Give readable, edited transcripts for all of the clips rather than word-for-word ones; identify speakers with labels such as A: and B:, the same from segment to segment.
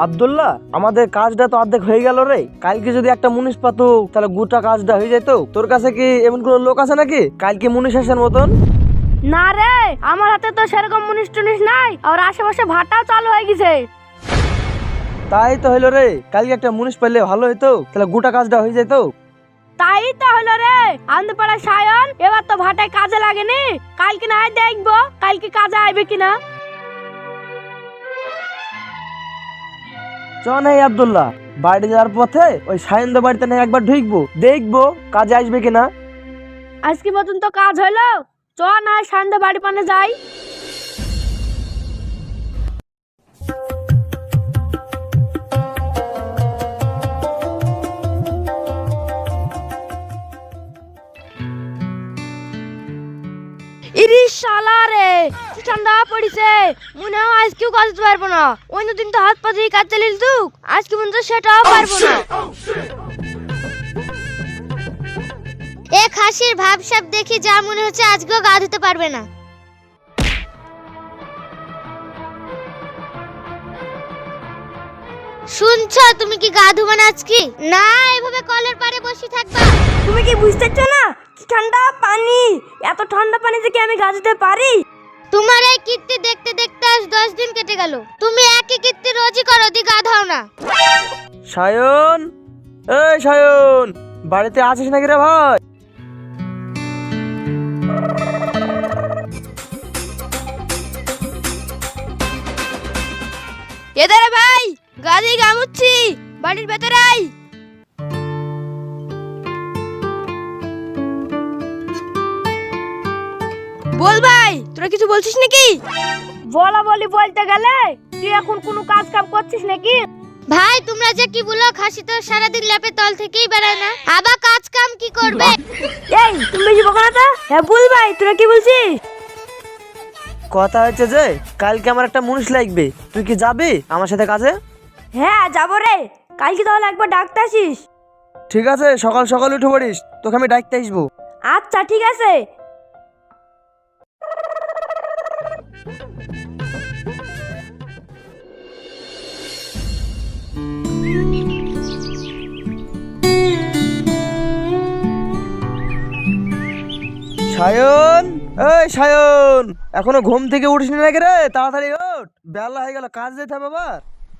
A: আব্দুল্লাহ, আমাদের কাজটা তো অর্ধেক হয়ে গেল রে। কালকে যদি একটা মুনিশ পাতো তাহলে গোটা কাজটা হয়ে যেত। তোর কাছে কি এমন কোনো লোক আছে নাকি কালকে মুনিশ আসার মতন?
B: না রে, আমার হাতে তো সেরকম মুনিশ টুনিশ নাই, আর আশেপাশে ভাটাও চালু হয়ে গেছে।
A: তাই তো হইলো রে, কালকে একটা মুনিশ পাইলে ভালো হইতো, তাহলে গোটা কাজটা হয়ে যেত।
B: তাই তো হলো রে, আমাদের পাড়ার সায়ন এবার তো ভাটায় কাজে লাগেনি। কালকে না হয় দেখবো কালকে কাজে আইবে কিনা।
A: চ নাই আব্দুল্লাহ, বাড়ি যাওয়ার পথে ওই সায়নদের বাড়িতে না একবার ঢুকবো, দেখবো কাজে আসবে কিনা।
B: আজকে মতন তো কাজ হলো, চ না হয় সায়নদের বাড়ি পানে যাই। ইরি শালা রে, কি ঠান্ডা পড়িছে, মনে হয় আজকেও কাজ করতে পারবো না। অন্য দিন তো হাত পা দিয়ে কাজ চালিয়ে দিতুক, আজকে মনে হয় সেটাও পারবো না।
C: এ খাসির ভাবসাব দেখি যা মনে হচ্ছে আজকেও গা ধুতে পারবে না। শুনছো, তুমি কি গা ধুবে না আজকে? না, এভাবে কলের পাড়ে বসে থাকবা।
B: তুমি কি বুঝতে পারছো না কি ঠান্ডা পানি? এত ঠান্ডা পানিতে কি আমি গা ধুতে পারি?
C: তোমার এই কীর্তি দেখতে দেখতে আজ 10 দিন কেটে গেল। তুমি একই কীর্তি রোজই করো, দি গা ধাও না।
A: সায়ন, এই সায়ন, বাড়িতে আছিস নাকি রে ভাই?
B: এদারে ভাই, গাড়ি গামুচ্ছি, বাড়ির ভেতরে আই। বল ভাই, তোরা কিছু বলছিস নাকি? বলা বলি বলতে গেলে তুই এখন কোনো কাজ কাম করছিস নাকি?
C: ভাই তোমরা যে কি বলো, খাসি তো সারাদিন ল্যাপে তল থেকেই বেড়ায় না, আবার কাজ কাম কি করবে?
B: এই তুমি বেশি বকো না তো। হ্যাঁ বল ভাই, তোরা কি বলছিস?
A: কথা হচ্ছে যে কালকে আমার একটা মুনিশ লাগবে, তুই কি যাবি আমার সাথে কাজে?
B: হ্যাঁ যাবো রে, কালকে তাহলে একবার ডাকতে আসিস।
A: ঠিক আছে, সকাল সকাল উঠে পড়িস, তোকে আমি ডাকতে আসবো।
B: আচ্ছা ঠিক আছে।
A: সায়ন, এই সায়ন, এখনো ঘুম থেকে উঠিস নাকি রে? তাড়াতাড়ি ওঠ, বেলা হয়ে গেল, কাজ যেতে হবে আবার।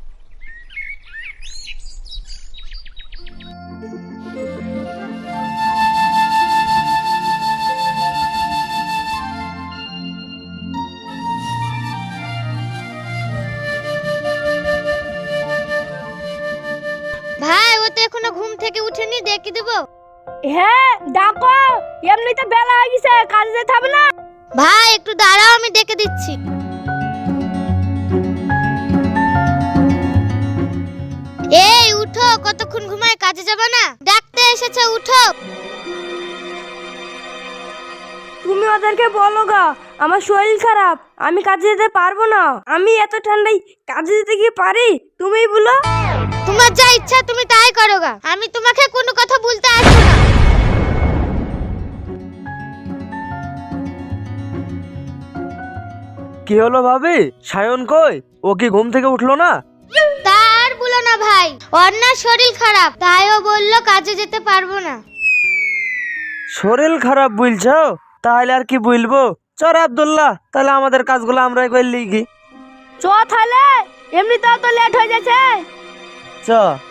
C: ভাই ও তো এখনো ঘুম থেকে উঠেনি, ডেকে দেবো?
B: হ্যাঁ ডাকো, এমনিতে বেলা হয়ে গেছে, কাজে যেতে হবে না?
C: ভাই একটু দাঁড়াও, আমি ডেকে দিচ্ছি। এই উঠো, কতক্ষণ ঘুমায়, কাজে যাবে না? ডাকতে এসেছে, উঠো।
B: তুমি ওদেরকে বলো গা আমার শরীর খারাপ, আমি কাজে যেতে পারবো না। আমি এত ঠান্ডায় কাজে যেতে গিয়ে পারি? তুমিই বলো।
C: তোমার যা ইচ্ছা তুমি তাই করো গা, আমি তোমাকে কোনো কথা বলতে আসবো না।
A: কি হলো ভাবি, সায়ন কই? ও কি ঘুম থেকে উঠলো না?
C: তার বলো না ভাই, ওর না শরীর খারাপ, তাই ও বললো কাজে যেতে পারবো না।
A: শরীর খারাপ বলছো? তাহলে আর কি বলবো, চল আব্দুল্লাহ, তাহলে আমাদের কাজগুলো আমরাই করলি কি।
B: চ তাহলে, এমনিতেও তো লেট হয়ে যাচ্ছে।
A: চ।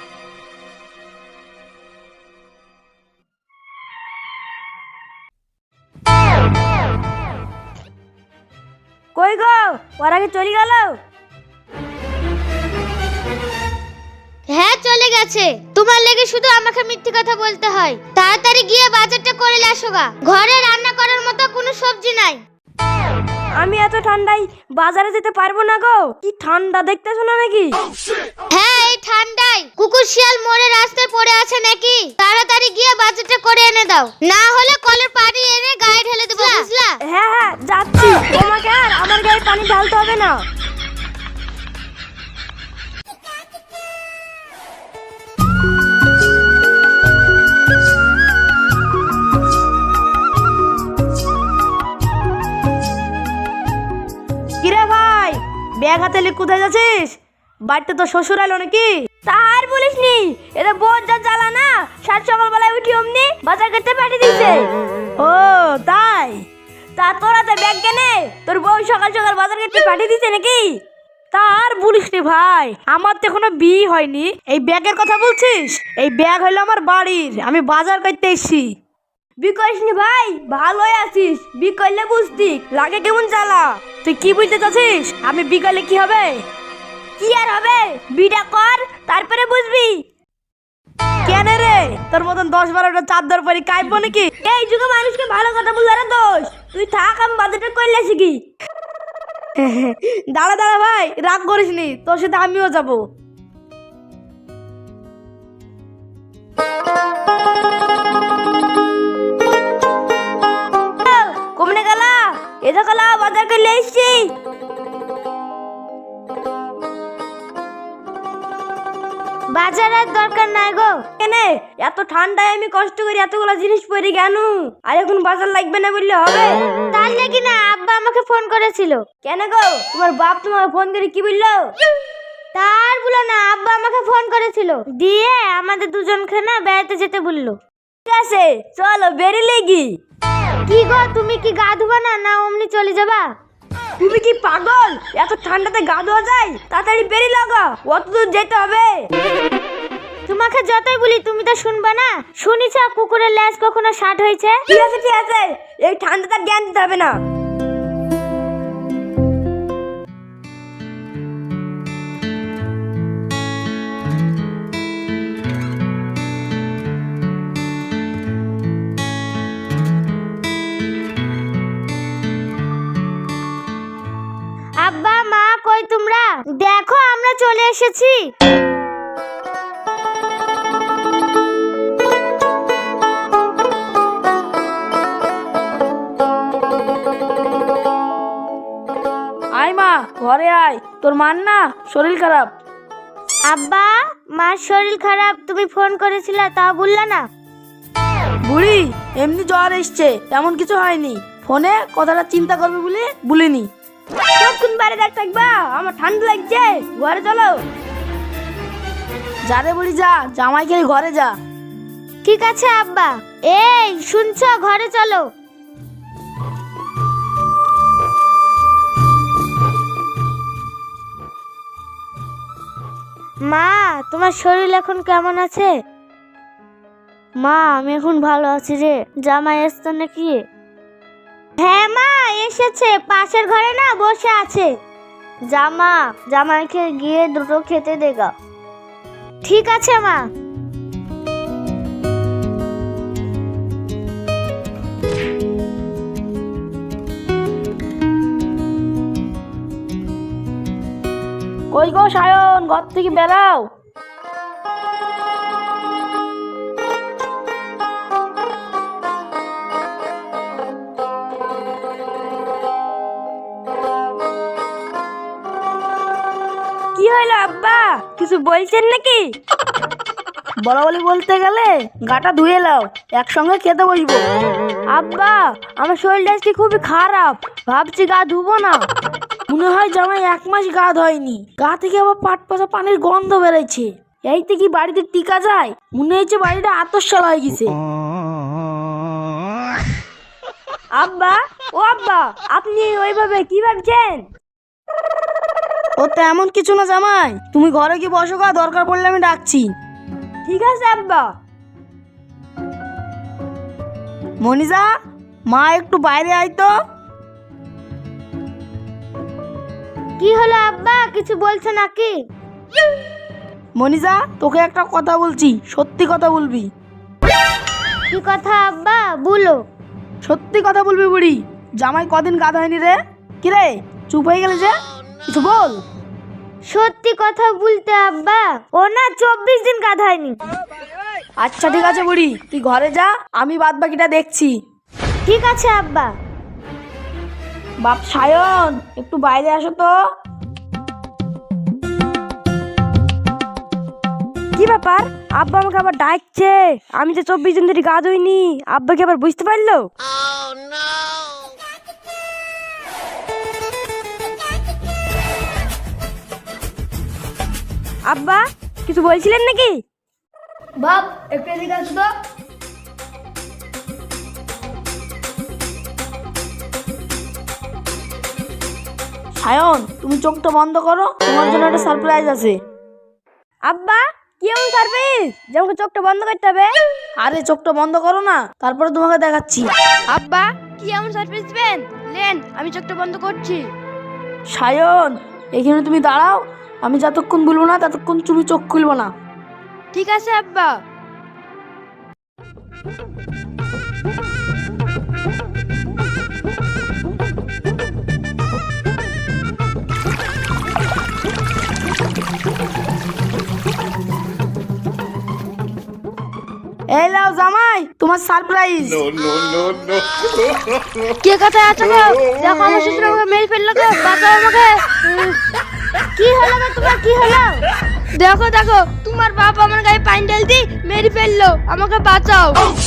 B: কই গো, ওর আগে চলে গেল?
C: হ্যাঁ চলে গেছে। তোমার লেগে শুধু আমাকে মিথ্যে কথা বলতে হয়। তাড়াতাড়ি গিয়ে বাজারটা করে আসো গা, ঘরে রান্না করার মতো কোনো সবজি নাই।
B: আমি এত ঠান্ডায় বাজারে যেতে পারবো না গো, কি ঠান্ডা দেখতেছো না নাকি?
C: হ্যাঁ এই ঠান্ডায় কুকুর শিয়াল মরে রাস্তায় পড়ে আছে নাকি? তাড়াতাড়ি গিয়ে বাজারটা করে এনে দাও, না হলে কলের পানি এনে গায়ে ঢেলে দেবো, বুঝলা?
B: হ্যাঁ হ্যাঁ যাচ্ছি, তোমাকে আর আমার গায়ে পানি ঢালতে হবে না। কিরে ভাই, ব্যাগ হাতে নিয়ে কোথায় যাচ্ছিস? বাড়িতে তো শ্বশুর এলো নাকি? তার বলিস নি, এটা বোঝ যা জ্বালা না, সাত সকালবেলায় উঠি অমনি বাজার করতে পাঠিয়ে দিয়েছে। ও তাই? তা তোরা তো ব্যাগ কেনে, তোর বউ সকাল সকাল বাজার করতে পাঠিয়ে দিয়েছে নাকি? তার বলিস নি ভাই, আমার তো এখনো বিয়ে হয়নি। এই ব্যাগের কথা বলছিস? এই ব্যাগ হলো আমার বাড়ির, আমি বাজার করতে এসেছি। বিয়ে করিস নি ভাই, ভালোই আছিস। বিয়ে করলে বুঝতি লাগে কেমন জ্বালা। তুই কি বুঝতে চাচ্ছিস? আমি বিয়ে করলে কি হবে? কি আর হবে, বিটা কর তারপরে বুঝবি। কেন রে, তোর মতন 10-12টা চাদর পরি কাইবো নাকি? এই যুগে মানুষকে ভালো কথা বললে রে দোষ। তুই থাক, আমি বাজারটা করলে আসি কি। দাঁড়া দাঁড়া ভাই, রাগ করিস নি, তোর সাথে আমিও যাবো। কমনে গেলা? এটা গেলা বাজার করলে এসছি।
C: বাজার আর দরকার নাই গো।
B: কেনে এত ঠান্ডায় আমি কষ্ট করে এতগুলো জিনিস পরে কেন? আর এখন বাজার লাগবে না বললে হবে?
C: তার লাগি না আব্বা আমাকে ফোন করেছিল।
B: কেন গো, তোমার বাপ তোমাকে ফোন করে কি বললো?
C: তার বলো না, আব্বা আমাকে ফোন করেছিল, দিয়ে আমাদের দুজনকে না বেড়াতে যেতে বললো।
B: ঠিক আছে, চলো বেরিয়ে গি।
C: কি গো, তুমি কি গা ধুবা না, না অমনি চলে যাবা?
B: তুমি কি পাগল? এত ঠান্ডাতে গা ধোয়া যায়? তাড়াতাড়ি বেরিয়ে লাগা, অত দূর যেতে হবে।
C: তোমাকে যতই বলি তুমি তো শুনবা না। শুনিছ কুকুরের ল্যাজ কখনো ষাট হয়েছে?
B: ঠিক আছে ঠিক আছে, এই ঠান্ডাটা জ্ঞান দিতে হবে না।
C: আব্বা মা কই তোমরা? দেখো আমরা চলে এসেছি।
B: আয় মা, ঘরে আয়, তোর মার না শরীর খারাপ।
C: আব্বা মার শরীর খারাপ, তুমি ফোন করেছিলে তা বললা না?
B: বুড়ি এমনি জ্বর এসছে, তেমন কিছু হয়নি। ফোনে কথাটা চিন্তা করবে বলে বলিনি। কোন বাড়ি দেখ থাকবা, আমার ঠান্ডা লাগছে, ঘরে চলো। যা রে বুড়ি যা, জামাই খেয়ে ঘরে যা।
C: ঠিক আছে আব্বা। এই শুনছো, ঘরে চলো। মা তোমার শরীর এখন কেমন আছে? মা আমি এখন ভালো আছি রে। জামাই এসছে নাকি? হ্যাঁ মা এসেছে, পাশের ঘরে না বসে আছে। জামাইকে গিয়ে দুটো খেতে দেগা। ঠিক আছে মা।
B: কই গো সায়ন, ঘর থেকে বেরাও। কি হলো আব্বা, কিছু বলছেন নাকি? বলা বলি বলতে গেলে গাটা ধুয়ে নাও, একসঙ্গে খেতে বসবো। আব্বা আমার শরীরটা আজকে খুবই খারাপ, ভাবছি গা ধুবো না। মনে হয় জামাই 1 মাস গা ধোয়নি, গা থেকে আবার পাট পচা পানির গন্ধ বেরোচ্ছে। এইতে কি বাড়িতে টিকা যায়? মনে হচ্ছে বাড়িটা আতশালা হয়ে গেছে। আব্বা ও আব্বা, আপনি ওইভাবে কি ভাবছেন? ও তো এমন কিছু না জামাই, তুমি ঘরে কি বসো গা, দরকার পড়লে আমি ডাকছি। ঠিক আছে আব্বা। মনিজা, মা একটু বাইরে আয় তো।
C: কি হলো আব্বা, কিছু বলছো নাকি?
B: মনিজা তোকে একটা কথা বলছি, সত্যি কথা বলবি।
C: কি কথা আব্বা, বলো।
B: সত্যি কথা বলবি বুড়ি, জামাই কদিন গা ধোয়নি রে? কি রে চুপ হয়ে গেলে যে, কিছু বল।
C: সত্যি কথা বলতে আব্বা, ও না 24 দিন গা ধোয়নি।
B: আচ্ছা ঠিক আছে বুড়ি, তুই ঘরে যা, আমি বাদ বাকিটা দেখছি।
C: ঠিক আছে আব্বা।
B: বাপ সায়ন একটু বাইরে আসো তো। কি ব্যাপার, আব্বা আমাকে আবার ডাকছে? আমি তো 24 দিন ধরে গা ধুইনি, আব্বা কি আবার বুঝতে পারলো? আব্বা কিছু বলছিলেন নাকি? বাপ একটু এদিকে আসো তো। সায়ন তুমি চোখটা বন্ধ করো, তোমার জন্য একটা সারপ্রাইজ আছে। আব্বা কি এমন সারপ্রাইজ যে আমাকে চোখটা বন্ধ করতে হবে? আরে চোখটা বন্ধ করো না, তারপরে তোমাকে দেখাচ্ছি। আব্বা কি এমন সারপ্রাইজ দিবেন? লেন আমি চোখটা বন্ধ করছি। সায়ন এখানে তুমি দাঁড়াও, আমি যতক্ষণ বলবো না ততক্ষণ তুমি চোখ খুলবো না। ঠিক আছে আব্বা। এই লাও জামাই তোমার সারপ্রাইজ। কে কোথায় আছো গো? দেখো আমার শ্বশুর আমাকে মেরে ফেললো গো, বাঁচাও আমাকে।
C: কি হলো গো তোমার, কি হলো?
B: দেখো দেখো তোমার বাপ আমার গায়ে পানি ঢেলতে মেরে ফেললো, আমাকে বাঁচাও।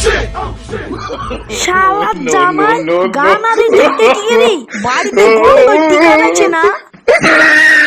B: শালা জামাই গানা দিতে কি রে, বাড়িতে গোল করতে গেছে না।